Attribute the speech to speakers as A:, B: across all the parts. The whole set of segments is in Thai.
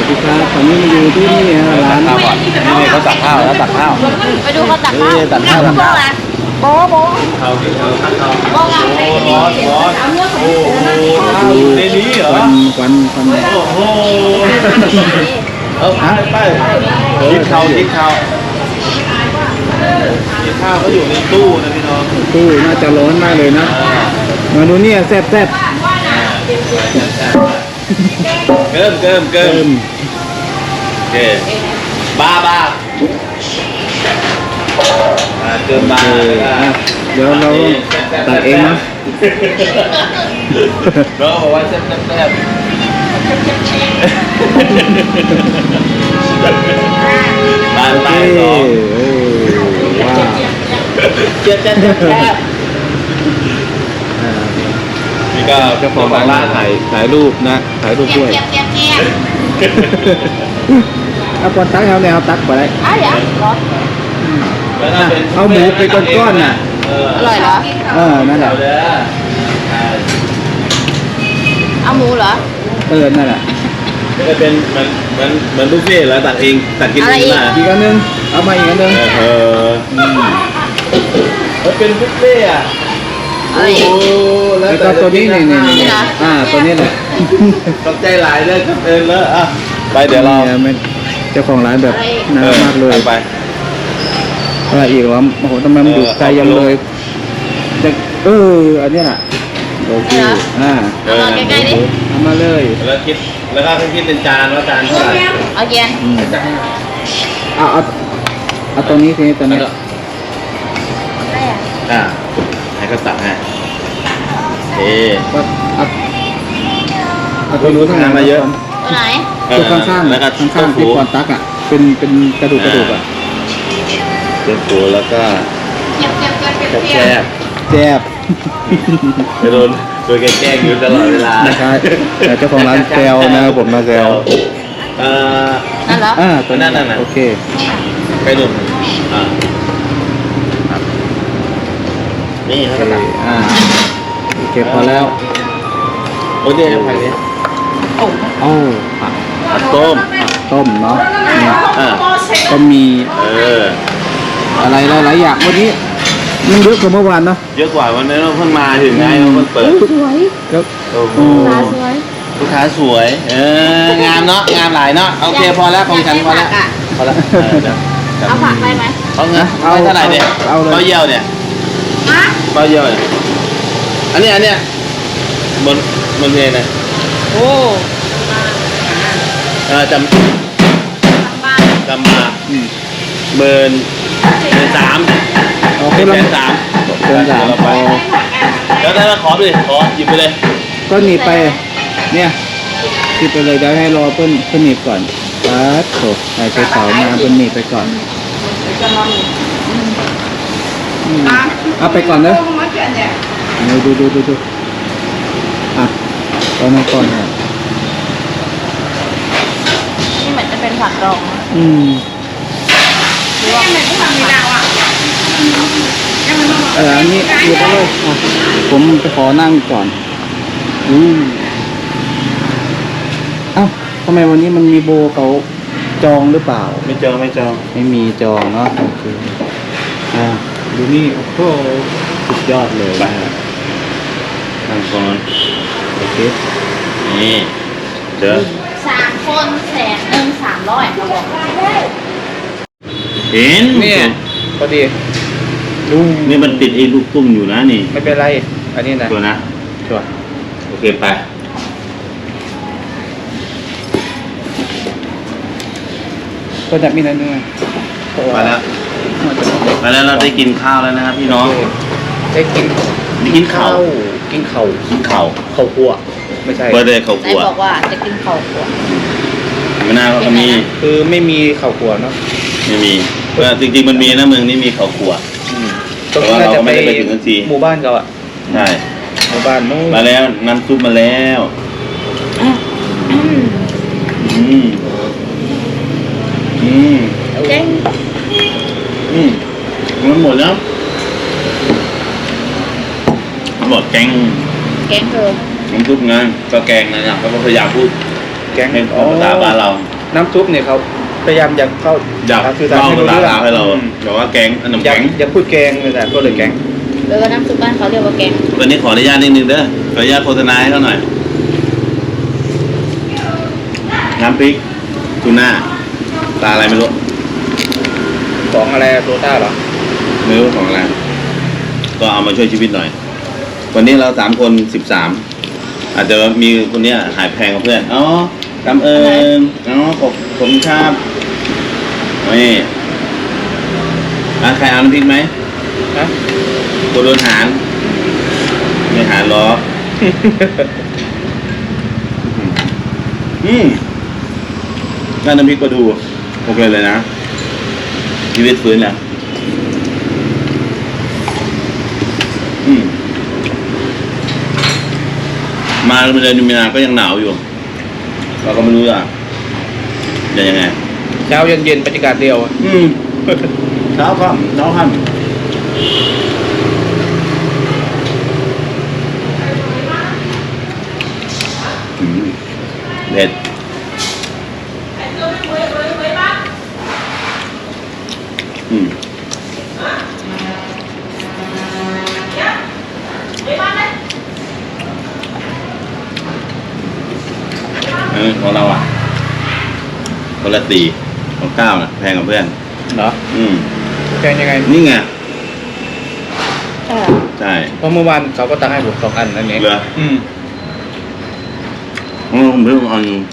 A: สวัสดีครับตอนนี้มาอยู่ที่นี่ร้าน
B: ข้าวก่อนนี่เขาตักข้าวแล้วตักข้าว
C: ไปดูเขาตักข้าว
B: นี่ตักข้าวตักข้าว
C: โบ๊ะโบ๊ะ
B: ข้าวกินข้าวตักข้าว
C: โบ๊ะอ่ะ
B: โอ้ร้อนร้อนโอ้ข้าวอยู่ในนี้เหรอ
A: ควัน
B: โอ้โหเอาไปกินข้าวกินข้าวกินข้าวเขาอยู่ในตู้นะพี่น้อง
A: ตู้น่าจะร้อนมากเลยนะมาดูเนี่ยแซ่บ
B: เกิมโอเคบ้าเกิมบ้า
A: เดี๋ยวเราตัดเองนะ
B: เราบอกว่าแซ่บบ้านไปสอง
A: ว้าว
B: แซ่บนี่ก็
A: เจ้าของร้านถ่ายรูปนะถ่ายรูปด้วย
C: เก็บ
A: เอาปอนตักเอาแนวตักไปได้
C: อ่ะเดี๋ยวร้อน
A: เอาหมูไปก้อนๆน่ะ
C: อร่อยเหรอ
A: นั่นแหละ
C: เอาหมูเหรอ
A: นั่นแหละ
B: จะเป็นเหมือนบุฟเฟ่ต์แล้วตัดเองตัดกินเองมา
A: อีกอันนึงเอามาอีกอันนึง
B: เป็นบุฟเฟ่ต์อ่ะ
C: อะไรอีก
A: แล้วก็ตัวนี้นี่ตัวนี้แหละ
B: ตกใจหลายเลยครับแล้วอ่ะไปเดี๋ยวเรา
A: เจ้าของร้านแบบน่ารักมากเลย
B: ไป
A: อะไรอีกวะโอ้โหทำไมมันอยู่ไกลยังเลยอันนี้แหละโอเค
C: เอามาใกล้ๆดิ
A: เอามาเลย
B: แล้วคิดเป็นจานว่าจานเท่าไหร่
C: เอาเกียน
A: เอาตรงนี้ทีนี้ตัวนี้
B: ให้เขาตักให้
A: เอาตัวนู้นทำงานมาเยอะ
C: ตัวไหน
A: ตัวข้างๆ
B: แล้วก็
A: ข้างๆที่ก่อนตักอ่ะเป็นกระดูกอ่ะ
B: เจ้าปูแล้วก็แคบไปโดนแกล้งอยู่ตลอดเวลา
A: นะครับเจ้าของร้านแซวนะครับผมมาแซว
C: นั่นเหรอ
A: ตัวนั้นโอเค
B: ไปดูนี่เขาตัก
A: โอเคพอแล้ว
B: โอ้ยเนี่ยผักนี้ ผักต้ม
A: ต้มเนาะ
B: อ่า
A: ก็มี อะไรหลายอย่างวันนี้มันเยอะกว่าเมื่อวานเนาะ
B: เยอะกว่าวันนี้เราเพิ่งมาถึงไงเราเพิ่งเปิด
C: สวย
A: แล้ว
B: โอ้โห
C: สวย
B: ลูกค้าสวยงามเนาะงามหลายเนาะโอเคพอแล้วของฉันพอแล้วพอแล้ว
C: เอาผักได้ไหม
B: เอาเงินเอาเท่าไหร่เนี่ยเป้าเยี่ยวเนี่ย
C: ฮะ
B: เป้าเยี่ยวเนี่ยอันเนี้ยบนเพลนะ
C: โอ้
B: จำมาเบิร์น3
A: เอา
B: เป็
A: ขึ้
B: น
A: น
B: แส
A: แล้ว
B: น
A: เราไป
B: แล้วถ้าขอไปขอหยิบไปเลย
A: ก็หนีไปเนี่ยที่ไปเลยเดี๋ยวให้รอเพิ่นหนีบก่อนโถไอ้เสามาเพิ่นหนีบไปก่อนเอาไปก่อนเนอะดูตอนนั้นก่อนครับ
C: นี่เหมือนจะเป็นผักดอง
A: หรือว่าเหมือนที่ทำในดาวอ่ะอันนี้อยู่ไปเลยผมไปขอนั่งก่อนเอ้าทำไมวันนี้มันมีโบเขาจองหรือเปล่า
B: ไม่จอง
A: ไม่มีจองเนาะโอเคดูนี่โอ้โหสุดยอดเลยนะ
B: นั่งก่อน
A: โอเค
B: นี่เดี๋ยว
C: 3 คน1,300เขาบอก
B: เห็น
A: เนี่ยพอดีดู
B: นี่มันติดไอ้ลูกตุ้มอยู่นะนี่
A: ไม่เป็นไรอันนี้นะ
B: ตัวนะ
A: ชัวร์
B: โอเคไป
A: ก็จะมีนั่นด้วย
B: มาแล้วเราได้กินข้าวแล้วนะครับพี่น้อง
A: ได้กิน
B: ได้กินข้าว
A: กินเข่า
B: ข้าว
A: คั่วไม่ใช่
B: เบอร์เดย์ข้าว
C: ไหน
B: คั่ว
C: บอกว่าจะกินข้าวคั่ว
B: ไม่น่าก็มี
A: คือไม่มีเข่าคั่วเนาะ
B: ไม่มีจริงๆมันมีนะเมืองนี้มีข้าวคั่ว
A: ตรงนี้น่าจะ
B: แต่ว่าเราก็ไม่ได้ไปถึงทันที
A: หมู่บ้านเขาอ่ะ
B: ใช่
A: หมู่บ้านนู้น
B: มาแล้วน้ำซุปมาแล้ว
C: เจ๊ง
B: มันหมดแล้วมันหมดแกง
C: เธอ
B: น้ำซุปไงก็แกงนะครับเขาพยายามพูด
A: แกง
B: เป็นภาษาบ้านเรา
A: น้ำซุปเนี่ยเขาพยายามอยากเข้า
B: อยาก
A: สื่อสาร
B: เล่า
A: ให้รู้
B: ภา
A: เรื่อง
B: ษาให้เราบอกว่าแกงขนม
A: อยาก
B: แกง
A: อยากพูดแกงเลยแต่ก็เลยแกง
C: แล้วก็น้ำซุปบ้านเขาเรียกว่าแกง
B: วันนี้ขออนุญาตนิดนึงเด้อขออนุญาตโฆษณาให้เขาหน่อยน้ำพริกทูน่าตาอะไรไม่รู้
A: ของอะไรโตต้าเหรอ
B: ไม่รู้ของอะไรก็เอามาช่วยชีวิตหน่อย วันนี้เรา3 คน 13อาจจะมีคนเนี้ยหายแพงกับเพื่อนอ๋อกำเอิญอ๋อขอบคุณครับนี่ใครเอาน้ำพริกไหม
A: นะ
B: กูโดนหารไม่หารล้อ ได้น้ำพริกปลาทูโอเคเลยนะชีวิตฟื้นแล้วมาเดือนมีนาก็ยังหนาวอยู่ เราก็ไม่รู้จะยังไง
A: เช้าเย็นบรรยากาศเดียวอะ
B: เช้าค่ำเช้าค่ำเผ็ดของเราคนละ4ของ9นะแพงกับเพื่อน
A: เหรอแกงยังไง
B: นี่ไง
C: ใช่
B: ใช่
A: เพราะเมื่อวานเขาก็ตักให้ผม2 อันนั่นเอง
B: เหรอผมเพิ่งเอาอยู่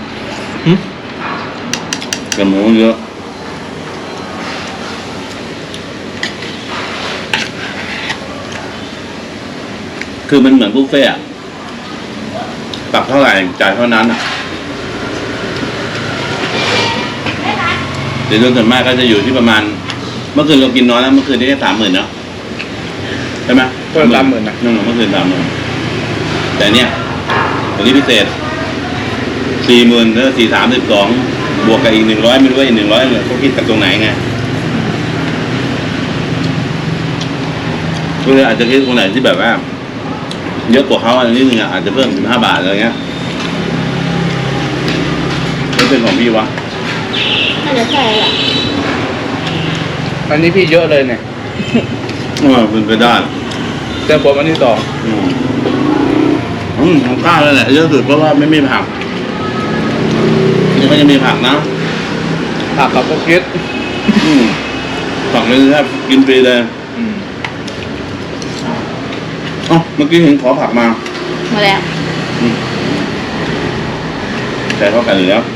B: แต่หมูเยอะคือมันเหมือนบุฟเฟ่ต์ตักเท่าไหร่จ่ายเท่านั้นเดี๋ยวส่วนมากก็จะอยู่ที่ประมาณเมื่อคืนเรากินน้อยแล้วเมื่อคืนได้แค่30,000เนาะใช่ไหม
A: ก็30,000นะ
B: นั่นเมื่อคืน30,000แต่เนี่ยวันนี้พิเศษ40,000แล้ว432บวกกับอีก100ไม่รู้ว่าอีก100เนี่ยเขาคิดจากตรงไหนไงก็เลยอาจจะคิดตรงไหนที่แบบว่าเยอะกว่าเขาอันนี้นึงอาจจะเพิ่ม15 บาทอะไรเงี้ยไม่เป็นของพี่วะ
C: น่าจะใช่แหละ
A: อันนี้พี่เยอะเลยเนี่ย
B: เป็นไปได้
A: แต่ผมอันที่2
B: ของข้าวเลยแหละเยอะสุดเพราะว่าไม่มีผักนี่ก็จะมีผักนะ
A: ผักเขาก็คิด
B: ผักนี่แทบกินฟรีเลยเมื่อกี้เห็นขอผักมา
C: มาแล้ว
B: แต่เขากันอยู่แล้ว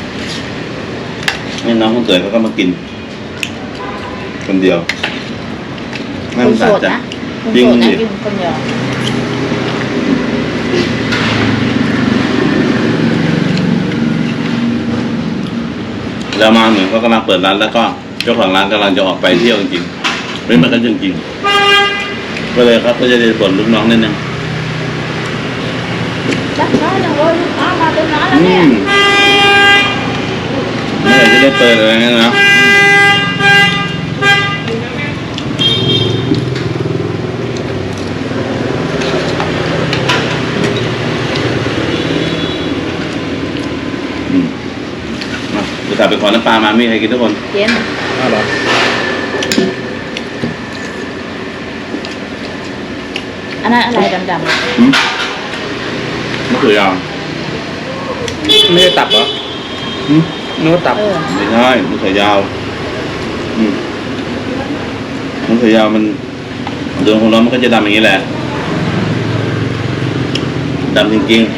B: นี่น้องคนเกิดเขาก็มากินคนเดียว
C: คุณโสดนะคุณโสดนะกินคนเดียว
B: แล้วมาเหมือนเขากำลังเปิดร้านแล้วก็เจ้าของร้านกำลังจะออกไปเที่ยวจริงๆไม่มากันจริงๆก็เลยครับก็จะได้ส่วนลูกน้องนิดนึง
C: จักน้อยจังเลยลูกค้ามาเต็มร้านแล้วเนี่ย
B: เมื่อไหร่จะได้เปิดอะไรเงี้ยนะจะกลับไปขอน้ำปลามามีใครกินทุกคน
C: เย็น
A: อ้าวเหรอ
C: อันนั้นอะไรดำ
B: มะเขือยาว
A: ไม่ได้ตับเหรอนึกว่าตับ
C: ๆ
B: ไม่ใช่มะเขือยาวมะเขือยาวมันโดนความร้อนมันก็จะดำอย่างนี้แหละดำจริงๆ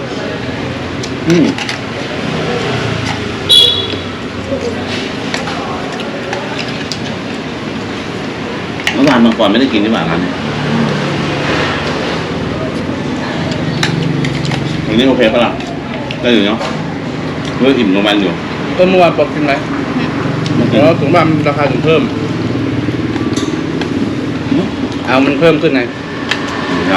B: เมื่อวานก่อนไม่ได้กินที่บ้านร้านนี้อันนี้โอเคปะล่ะได้อยู่เนาะเมื่ออิ่มลงมันอยู่
A: เมื่อวานบอกกินไหมเพราะถึงว่ามันราคาถึงเพิ่ม เอามันเพิ่มขึ้นไง
B: ใช่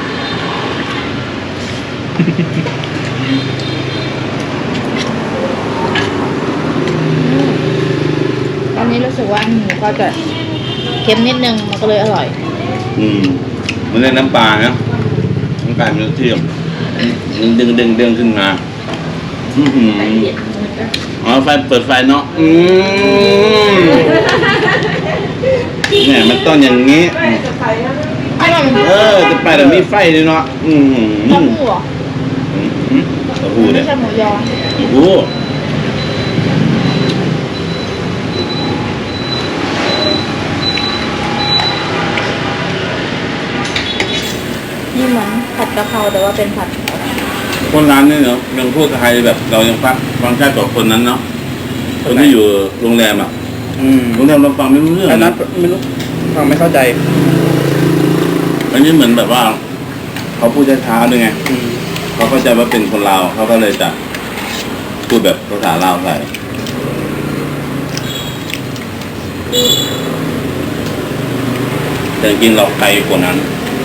C: ตอนนี้รู้สึกว่าหมูก็จะเค็มนิดนึงมันก็เลยอร่อย
B: มันเล่นน้ำปลานะน้ำปลามันเทียมมันดึงขึ้นมาอื้อหืออ๋อไฟเปิดไฟเนาะเนี่ยมันต้องอย่างงี้
C: อร่อย
B: จะไปแต่มีไฟเลยเนาะ
C: เต้าหู้เหรอ
B: เต้าหู้
C: ไม่
B: เนี่ย
C: ใช่หมูยอ
B: โอ้
C: นี่เหมือนผัดกะเพราแต่ว่าเป็นผัด
B: คนร้านนี่เนาะยังพูดไทยแบบเรายังฟังชัดกว่าคนนั้นเนาะคนที่อยู่โรงแรมอ่ะโรงแรมเราฟังไม่รู้เรื่อง
A: อันนั้
B: นะ
A: นไม่รู้ฟังไม่เข้าใจ
B: อันนี้เหมือนแบบว่าเขาพูดช้าๆด้วยไงเขาเข้าใจว่าเป็นคนลาวเขาก็เลยจะพูดแบบภาษาลาวใส่แต่จริงๆเราไกลกว่านั้น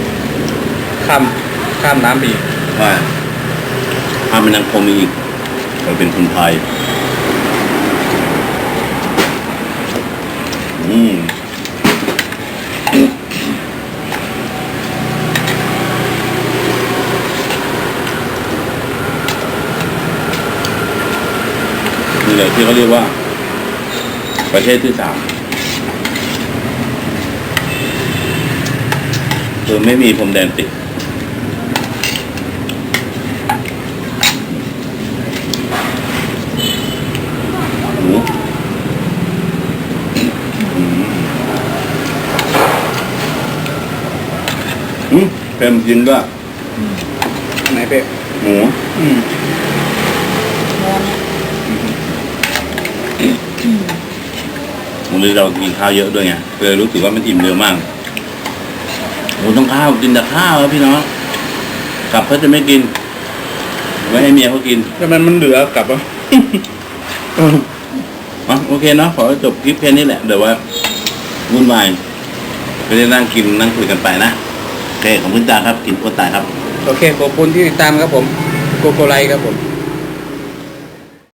A: ข้ามน้ำไปอีก
B: ว่าถ้ามันยังคงมีอีกเราเป็นคนไทยนี่แหละที่เขาเรียกว่า ประเทศที่ 3คือไม่มีพรมแดนติดหมูเค็มจริงด้วย
A: ไหนเป๊ะ
B: หมู วันนี้เรากินข้าวเยอะด้วยไงเลยรู้สึกว่ามันอิ่มเร็วมากโอ้ต้องข้าวกินแต่ข้าวครับพี่น้องกลับเขาจะไม่กินไว้ให้เมียเขากิน
A: แล้วมันเหลือกลับวะ
B: โอเคเนาะขอจบคลิปแค่นี้แหละเดี๋ยวว่าวุ่นวายไม่ได้นั่งกินนั่งคุยกันไปนะโอเคขอบคุณจ้าครับกินโคตรตายครับ
A: โอเคขอบคุณที่ติดตามครับผมโกโกไลครับผม